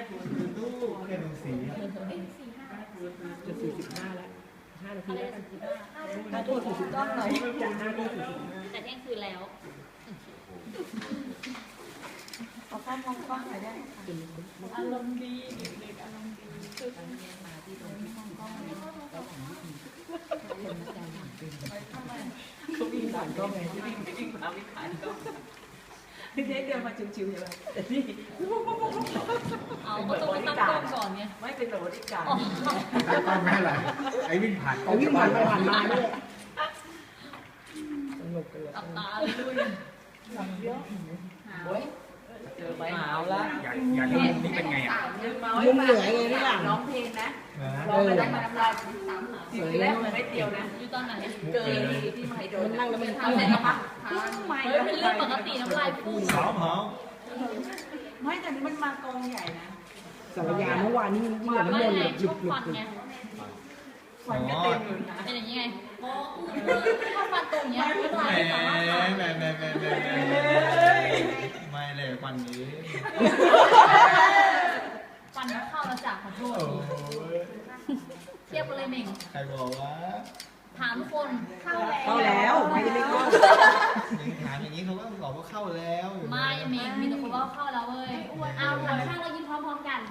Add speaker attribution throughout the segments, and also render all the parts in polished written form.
Speaker 1: แค่ดูสี
Speaker 2: จะ45แล้ว5 นาทีแล้วกัน
Speaker 3: ถ้าโทษถูกต้องหน่อย
Speaker 2: จาก5 นาที
Speaker 4: แต่เที่ยงคืนแล้ว
Speaker 3: เอาข้ามมองกล้องหน่อยได้อารมณ์ดีเด็กๆอารมณ์ดีมาที่ตรงที่มองกล้องแล้วของคนมาแต่งหลังเป็นเขาวิ่งผ่านกล้องไงวิ่งมาวิ่งผ่านกล้องพี่เด็กเดินมาชิวๆใช่ไหมแต่นี่
Speaker 4: เอาก็ต้องตั้งกล้องก่อนไง
Speaker 3: ไม่เป็นบริการ
Speaker 1: ตั้งกล้องไม่อะไรไอ้วิ่งผ่านกล้อง
Speaker 2: วิ่งผ่านไปผ่านมาด้วยสนุกเลย
Speaker 4: ตับตาเลยด้วย
Speaker 3: เยอะโอ้ยเจอใบหาวแล้ว
Speaker 1: อยากดูมุมนี้เป็นไงอ่ะ
Speaker 2: มุมเหนือไงนี่หลัง
Speaker 3: ร้องเพลงนะร้องไปได้มาน้ำลายทีแรกมันไม่เดียวนะ
Speaker 4: อยู่ตอนไหน
Speaker 3: เกินที่ไม่โดน
Speaker 2: นั่งแล้วมัน
Speaker 4: ทำเสร็จแล้วปะเฮ้ยเป็นเรื่องปกติน้ำลายฟู
Speaker 1: หอม
Speaker 3: ไม่แต่นี่มันมากองใหญ่นะ
Speaker 2: สารยาเมื่อวานนี้ยิ่งกว่าน้ำมนต์แบบหยุด
Speaker 4: ฟันไง
Speaker 3: ฟันก็เต็มอยู่นะ
Speaker 4: เป็นอย่างนี้ไงถ้าฟันตรงเนี้ยน้ำลายสามารถ
Speaker 1: ไม่เลยควันนี้
Speaker 4: ฟันเข้าแล้วจากขอโทษเทียบกันเลยเม่ง
Speaker 1: ใครบอกว่า
Speaker 4: ถามคน
Speaker 2: เข้าแล้วไม่ได้ไม่เข้า
Speaker 1: ถามอย่างนี้เขาก็บอกว่าเข้าแล้ว
Speaker 4: ไม่เม่งมีแต่คนว่าเข้าแล้วเว้ยเอาถามข้างเรายิ้มพร้อมๆกัน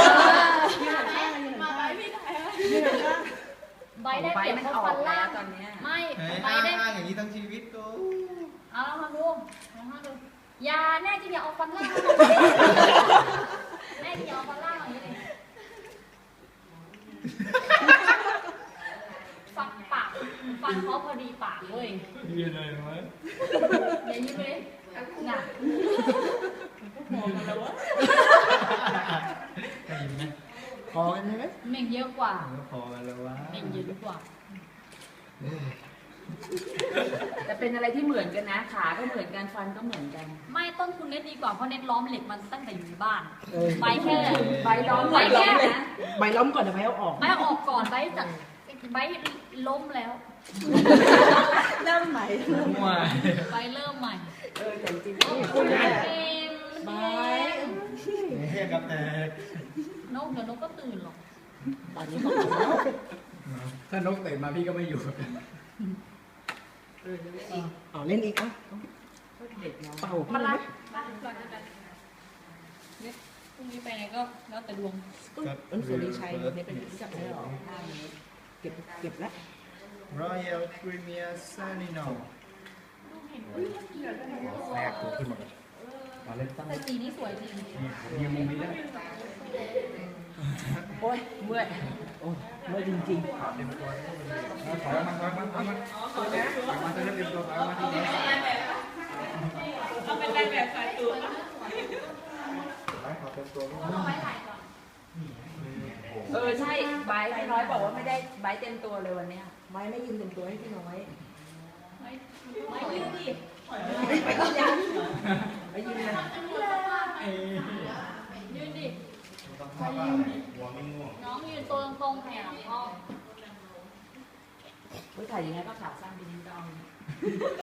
Speaker 4: มาไปพี่ไหนใบได้เปรียบเพราะฟันล่างไม่ใบได้
Speaker 1: อย่างนี้ทั้งชีวิตกู
Speaker 4: เอาลองดูยาแน่จริงอย่าเอาฟันล่างแน่จริงอย่าเอาฟันล่างอย่างนี้เลยฟันปากฟันเขาพอดีปากเว้ย
Speaker 1: ยืนเลยไหม
Speaker 4: อย่ายิ้มเลยหนัก
Speaker 3: มองกันแล้ววะ
Speaker 1: ได้ยินไหม
Speaker 2: พอกันไหม
Speaker 4: เม่งเยอะกว่า
Speaker 1: พอกันแล้ววะ
Speaker 4: เม่งเยอะกว่า
Speaker 3: แต่เป็นอะไรที่เหมือนกันนะขาก็เหมือนกันฟันก็เหมือนกัน
Speaker 4: ไม่ต้นทุนเน็ตดีกว่าเพราะเน็ตล้อมเหล็กมันตั้งแต่อยู่ในบ้านใบแค่
Speaker 3: ใบล้อม
Speaker 4: นะ
Speaker 2: ใบล้อมก่อนเดี๋ยวใบเอาออก
Speaker 4: ใบเอาออกก่อนใบจากใบล้มแล้ว
Speaker 3: เริ่มใหม่
Speaker 4: ใบเริ่มใหม่
Speaker 3: แต่จริง
Speaker 4: คุณ
Speaker 3: ใบ
Speaker 1: เทียบกับแต่
Speaker 4: นกเดี๋ยวนกก็ตื่นหรอก
Speaker 2: ตอนนี้บอกแล้ว
Speaker 1: ถ้านกตื่นมาพี่ก็ไม่อยู่
Speaker 2: เล่นอีกอ่ะเป่า
Speaker 4: มาละพรุ่งนี้ไปไหนก็แล้วแต่ดวง
Speaker 2: สุริชัยเนี่ยเป็นรู้จักได้หรอเก็บแล้ว
Speaker 1: Royal Premier Sanino แรกตัวขึ้นหมดเลยมาเล่นตั้ง
Speaker 4: แต่สีนี้สวยจริง
Speaker 1: ยืมมุมนี้ได้
Speaker 3: โอ้ยเมื่อย
Speaker 2: เมื่อจริง
Speaker 1: ถอยมาจะเล่นเต็มตัวถอยมาที่นี่
Speaker 3: เราเป็นนายแบบสายตัว
Speaker 1: ขอเต็มตัว
Speaker 3: ใช่ใบพี่น้อยบอกว่าไม่ได้ใบเต็มตัวเลยวันนี้
Speaker 2: ไม้ไม่ยืนเต็มตัวให้พี่น้อย
Speaker 4: ไม่ยืนดิ
Speaker 2: ไปยืนยังไปยืนยัง
Speaker 4: ยืนดิน้องยืนตัวตรงๆแขนหลังพ่อ
Speaker 3: ถ่ายยังไงก็ขาสั้นไปนิดนึง